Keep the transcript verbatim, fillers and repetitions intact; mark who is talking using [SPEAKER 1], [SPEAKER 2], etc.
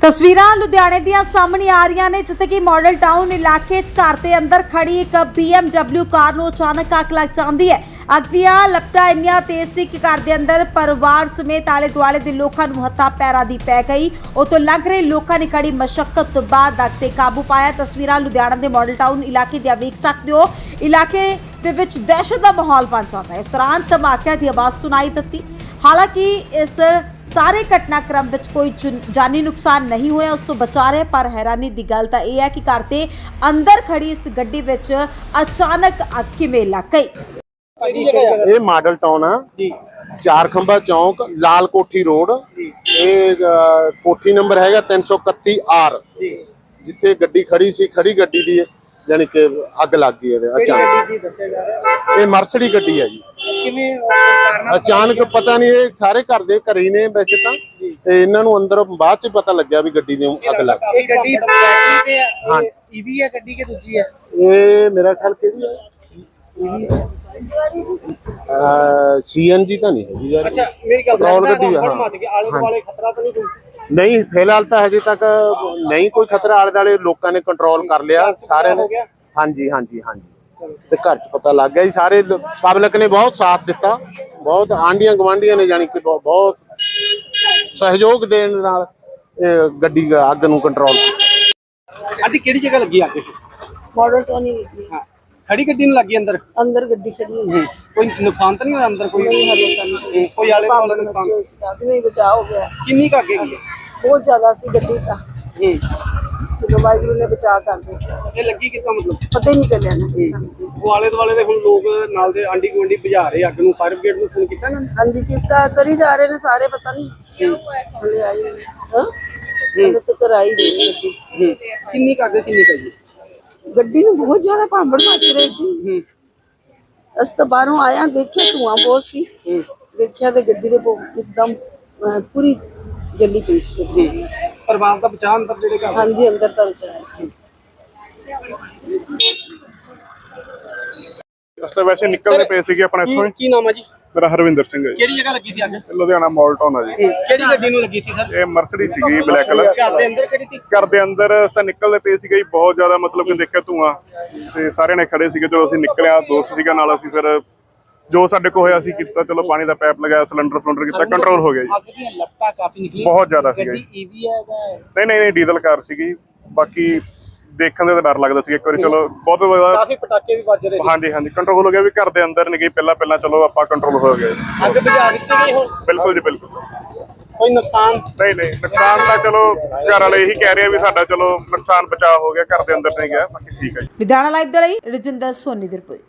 [SPEAKER 1] ਤਸਵੀਰਾਂ ਲੁਧਿਆਣੇ ਦੀਆਂ ਸਾਹਮਣੇ ਆ ਰਹੀਆਂ ਨੇ ਜਿੱਥੇ ਕਿ ਮਾਡਲ ਟਾਊਨ ਇਲਾਕੇ 'ਚ ਘਰ ਦੇ ਅੰਦਰ ਖੜੀ ਇੱਕ ਬੀ ਐਮ ਡਬਲਿਊ ਕਾਰ ਨੂੰ ਅਚਾਨਕ ਅੱਗ ਲੱਗ ਜਾਂਦੀ ਹੈ। ਅੱਗ ਦੀਆਂ ਲਪਟਾਂ ਇੰਨੀਆਂ ਤੇਜ਼ ਸੀ ਕਿ ਘਰ ਦੇ ਅੰਦਰ ਪਰਿਵਾਰ ਸਮੇਤ ਆਲੇ ਦੁਆਲੇ ਦੇ ਲੋਕਾਂ ਨੂੰ ਹੱਥਾਂ ਪੈਰਾਂ ਦੀ ਪੈ ਗਈ। ਉਤੋਂ ਲੱਗ ਰਹੇ ਲੋਕਾਂ ਨੇ ਕੜੀ ਮਸ਼ੱਕਤ ਤੋਂ ਬਾਅਦ ਅੱਗ ਤੇ ਕਾਬੂ ਪਾਇਆ। ਤਸਵੀਰਾਂ ਲੁਧਿਆਣਾ ਦੇ ਮਾਡਲ ਟਾਊਨ ਇਲਾਕੇ ਦੀਆਂ ਵੇਖ ਸਕਦੇ ਹੋ। ਇਲਾਕੇ ਦੇ ਵਿੱਚ ਦਹਿਸ਼ਤ ਦਾ ਮਾਹੌਲ ਬਣ ਜਾਂਦਾ ਹੈ। ਇਸ ਦੌਰਾਨ ਧਮਾਕਿਆਂ ਦੀ ਆਵਾਜ਼ ਸੁਣਾਈ ਦਿੱਤੀ। ਹਾਲਾਂਕਿ ਇਸ ਸਾਰੇ ਘਟਨਾਕ੍ਰਮ ਵਿੱਚ ਕੋਈ ਜਾਨੀ ਨੁਕਸਾਨ ਨਹੀਂ ਹੋਇਆ, ਉਸ ਤੋਂ ਬਚਾ ਰਹੇ। ਪਰ ਹੈਰਾਨੀ ਦੀ ਗੱਲ ਤਾਂ ਇਹ ਹੈ ਕਿ ਘਰ ਦੇ ਅੰਦਰ ਖੜੀ ਇਸ ਗੱਡੀ ਵਿੱਚ ਅਚਾਨਕ ਅੱਗ ਕਿਵੇਂ ਲੱਗ ਗਈ।
[SPEAKER 2] ਇਹ ਮਾਡਲ ਟਾਊਨ ਆ ਜੀ, ਚਾਰ ਖੰਭਾ ਚੌਂਕ, ਲਾਲ ਕੋਠੀ ਰੋਡ। ਇਹ ਕੋਠੀ ਨੰਬਰ ਹੈਗਾ ਤਿੰਨ सौ इकतीस आर। ਜਿੱਥੇ ਗੱਡੀ ਖੜੀ ਸੀ, ਖੜੀ ਗੱਡੀ ਦੀ ਯਾਨੀ ਕਿ ਅੱਗ ਲੱਗ ਗਈ ਇਹਦੇ ਅਚਾਨਕ। ਇਹ ਮਰਸਡੀ ਗੱਡੀ ਹੈ ਜੀ। ਅਚਾਨਕ ਪਤਾ ਨਹੀਂ, ਇਹ ਸਾਰੇ ਘਰ ਦੇ ਘਰੇ ਹੀ ਨੇ ਵੈਸੇ ਤਾਂ, ਤੇ ਇਹਨਾਂ ਨੂੰ ਅੰਦਰ ਬਾਅਦ ਚ ਪਤਾ ਲੱਗਿਆ ਵੀ ਗੱਡੀ ਦੀ ਅੱਗ ਲੱਗ ਗਈ।
[SPEAKER 3] ਇਹ ਗੱਡੀ ਬੈਟਰੀ ਤੇ ਹੈ, ਈਵੀ ਹੈ ਗੱਡੀ ਕਿ ਦੂਜੀ ਹੈ?
[SPEAKER 2] ਇਹ ਮੇਰਾ ਖਿਆਲ ਕਿਹੜੀ ਹੈ, ਸੀ ਐਨ ਜੀ ਤਾਂ ਨਹੀਂ ਹੈਗੀ ਯਾਰ।
[SPEAKER 3] ਅੱਛਾ ਮੇਰੀ ਗੱਲ
[SPEAKER 2] ਪੈਟਰੋਲ ਗੱਡੀ ਆ।
[SPEAKER 3] ਆਲੇ ਦੁਆਲੇ ਖਤਰਾ ਤਾਂ ਨਹੀਂ ਕੋਈ?
[SPEAKER 2] ਨਹੀਂ, ਫਿਲਹਾਲ ਤਾਂ ਹਜੇ ਤੱਕ ਨਹੀਂ ਕੋਈ ਖਤਰਾ। ਆਲੇ ਦੁਆਲੇ ਲੋਕਾਂ ਨੇ ਕੰਟਰੋਲ ਕਰ ਲਿਆ ਸਾਰਿਆਂ ਨੇ। ਹਾਂਜੀ ਹਾਂਜੀ ਹਾਂਜੀ, ਤੇ ਘਰ ਚ ਪਤਾ ਲੱਗ ਗਿਆ ਜੀ। ਸਾਰੇ ਪਬਲਿਕ ਨੇ ਬਹੁਤ ਸਾਥ ਦਿੱਤਾ, ਬਹੁਤ ਆਂਢੀਆਂ ਗਵਾਂਢੀਆਂ ਨੇ ਜਾਨੀ ਕਿ ਬਹੁਤ ਸਹਿਯੋਗ ਦੇਣ ਨਾਲ ਗੱਡੀ ਅੱਗ ਨੂੰ ਕੰਟਰੋਲ ਕੀਤਾ।
[SPEAKER 3] ਅੱਜ ਕਿਹੜੀ ਜਗ੍ਹਾ ਲੱਗੀ ਅੱਗ?
[SPEAKER 4] ਮਾਡਲ ਟਾਊਨ ਹੀ ਲੱਗੀ।
[SPEAKER 3] ਹਾਂ, ਖੜੀ ਗੱਡੀ ਨੂੰ ਲੱਗੀ ਅੰਦਰ?
[SPEAKER 4] ਅੰਦਰ ਗੱਡੀ ਖੜੀ ਹੈ।
[SPEAKER 3] ਕੋਈ ਨੁਕਸਾਨ ਤਾਂ ਨਹੀਂ ਹੋਇਆ ਅੰਦਰ? ਕੋਈ
[SPEAKER 4] ਨਹੀਂ ਹਲੇ ਤਾਂ
[SPEAKER 3] ਕੋਈ ਆਲੇ ਦੁਆਲੇ ਨੁਕਸਾਨ
[SPEAKER 4] ਨਹੀਂ, ਬਚਾ ਹੋ ਗਿਆ।
[SPEAKER 3] ਕਿੰਨੀ ਕੁ ਅੱਗ ਹੈਗੀ ਹੈ?
[SPEAKER 4] ਬਹੁਤ ਜ਼ਿਆਦਾ ਸੀ ਗੱਡੀ ਤਾਂ,
[SPEAKER 3] ਹੂੰ,
[SPEAKER 4] ਜਦੋਂ ਵਾਹਿਗੁਰੂ ਨੇ ਬਚਾ ਕਰ ਦਿੱਤਾ।
[SPEAKER 3] ਇਹ ਲੱਗੀ ਕਿੱਦਾਂ ਮਤਲਬ
[SPEAKER 4] ਪਤਾ ਹੀ ਨਹੀਂ ਚੱਲਿਆ ਨਾ।
[SPEAKER 3] ਉਹ ਆਲੇ ਦੁਆਲੇ ਦੇ ਹੁਣ ਲੋਕ ਨਾਲ ਦੇ ਆਂਢੀ ਗੁਆਂਢੀ ਬੁਝਾ ਰਹੇ ਅੱਗ ਨੂੰ, ਫਾਇਰ ਬ੍ਰਿਗੇਡ ਨੂੰ ਫੋਨ ਕੀਤਾ ਨਾ?
[SPEAKER 4] ਹਾਂਜੀ ਕੀਤਾ, ਕਰੀ ਜਾ ਰਹੇ ਨੇ ਸਾਰੇ, ਪਤਾ ਨਹੀਂ ਹਲੇ ਆਈ ਨਹੀਂ। ਹਾਂ ਹਲੇ ਤਾਂ ਕਰਾਈ ਨਹੀਂ ਗੱਡੀ।
[SPEAKER 3] ਕਿੰਨੀ ਕੁ ਅੱਗ ਕਿੰਨੀ ਕੁ ਹੈ ਜੀ?
[SPEAKER 4] ਗੱਡੀ ਨੂੰ ਬਹੁਤ ਜ਼ਿਆਦਾ ਭਾਂਬੜ ਮੱਚ ਰਹੇ ਸੀ। ਅਸੀਂ ਤਾਂ ਬਾਹਰੋਂ ਆਇਆ, ਦੇਖਿਆ ਧੂਆਂ ਬਹੁਤ ਸੀ। ਦੇਖਿਆ ਤੇ ਗੱਡੀ ਦੇ ਇੱਕਦਮ ਪੂਰੀ ਜੱਲੀ ਪਈ ਸੀ ਗੱਡੀ।
[SPEAKER 3] ਪਰਿਵਾਰ ਦਾ ਬਚਾਅ ਅੰਦਰ ਜਿਹੜੇ ਘਰ?
[SPEAKER 4] ਹਾਂਜੀ ਅੰਦਰ ਤਾਂ ਬਚਾਇਆ।
[SPEAKER 5] ਅਸਲ ਵੈਸੇ ਨਿਕਲਦੇ ਪਏ ਸੀਗੇ ਆਪਣੇ ਇੱਥੋਂ।
[SPEAKER 3] ਕੀ ਨਾਮ ਹੈ ਜੀ?
[SPEAKER 5] ਮੇਰਾ ਹਰਵਿੰਦਰ ਸਿੰਘ ਹੈ ਜੀ।
[SPEAKER 3] ਕਿਹੜੀ ਜਗ੍ਹਾ ਲੱਗੀ ਸੀ ਅੱਗ?
[SPEAKER 5] ਲੁਧਿਆਣਾ ਮਾਲ ਟਾਊਨ ਆ ਜੀ।
[SPEAKER 3] ਕਿਹੜੀ ਗੱਡੀ ਨੂੰ ਲੱਗੀ ਸੀ ਸਰ?
[SPEAKER 5] ਇਹ ਮਰਸਡੀ ਸੀਗੀ ਬਲੈਕ ਕਲਰ।
[SPEAKER 3] ਘਰ ਦੇ ਅੰਦਰ ਖੜੀ ਸੀ?
[SPEAKER 5] ਘਰ ਦੇ ਅੰਦਰ ਤਾਂ ਨਿਕਲਦੇ ਪਏ ਸੀਗੇ ਜੀ, ਬਹੁਤ ਜ਼ਿਆਦਾ ਮਤਲਬ ਕਿ ਦੇਖਿਆ ਧੂਆਂ, ਤੇ ਸਾਰਿਆਂ ਨੇ ਖੜੇ ਸੀਗੇ। ਜਦੋਂ ਅਸੀਂ ਨਿਕਲਿਆ, ਦੋਸਤ ਸੀਗਾ ਨਾਲ, ਅਸੀਂ ਫਿਰ ਜੋ ਸਾਡੇ ਕੋਲ ਹੋਇਆ ਅਸੀਂ ਕੀਤਾ। ਚਲੋ ਪਾਣੀ ਦਾ ਪਾਈਪ ਲਗਾਇਆ, ਸਿਲੰਡਰ ਸਿਲੰਡਰ ਕੀਤਾ, ਕੰਟਰੋਲ ਹੋ ਗਿਆ ਜੀ।
[SPEAKER 3] ਅੱਗ ਦੀਆਂ ਲਪਟਾਂ ਕਾਫੀ ਨਿਕਲੀਆਂ,
[SPEAKER 5] ਬਹੁਤ ਜ਼ਿਆਦਾ ਸੀਗਾ ਜੀ।
[SPEAKER 3] ਗੱਡੀ ਈਵੀ ਹੈ ਜਾਂ
[SPEAKER 5] ਨਹੀਂ ਨਹੀਂ ਨਹੀਂ ਡੀਜ਼ਲ ਕਾਰ ਸੀਗੀ। ਬਾਕੀ ਦੇਖਣ ਦੇ ਤਾਂ ਡਰ ਲੱਗਦਾ ਸੀ ਇੱਕ ਵਾਰੀ। ਚਲੋ ਬਹੁਤ
[SPEAKER 3] ਕਾਫੀ ਪਟਾਕੇ ਵੀ ਵੱਜ ਰਹੇ ਸੀ।
[SPEAKER 5] ਹਾਂਜੀ ਹਾਂਜੀ ਕੰਟਰੋਲ ਹੋ ਗਿਆ ਵੀ ਘਰ ਦੇ ਅੰਦਰ ਨਹੀਂ ਗਈ ਪਹਿਲਾਂ ਪਹਿਲਾਂ। ਚਲੋ ਆਪਾਂ ਕੰਟਰੋਲ ਹੋ ਗਿਆ ਜੀ।
[SPEAKER 3] ਅੱਗ ਬੁਝਾ ਦਿੱਤੀ ਗਈ ਹੁਣ?
[SPEAKER 5] ਬਿਲਕੁਲ ਜੀ ਬਿਲਕੁਲ।
[SPEAKER 3] ਕੋਈ ਨੁਕਸਾਨ
[SPEAKER 5] ਨਹੀਂ ਨਹੀਂ ਨੁਕਸਾਨ ਤਾਂ ਚਲੋ ਘਰ ਵਾਲੇ ਇਹੀ ਕਹਿ ਰਹੇ ਆ ਵੀ ਸਾਡਾ ਚਲੋ ਨੁਕਸਾਨ ਬਚਾਅ ਹੋ ਗਿਆ, ਘਰ ਦੇ ਅੰਦਰ ਨਹੀਂ ਗਿਆ। ਬਾਕੀ ਠੀਕ ਹੈ ਜੀ।
[SPEAKER 1] ਲੁਧਿਆਣਾ ਲਾਈਵ ਦੇ ਲਈ ਰਜਿੰਦਰ ਸੋਨੀ ਦੀ ਰਿਪੋਰਟ।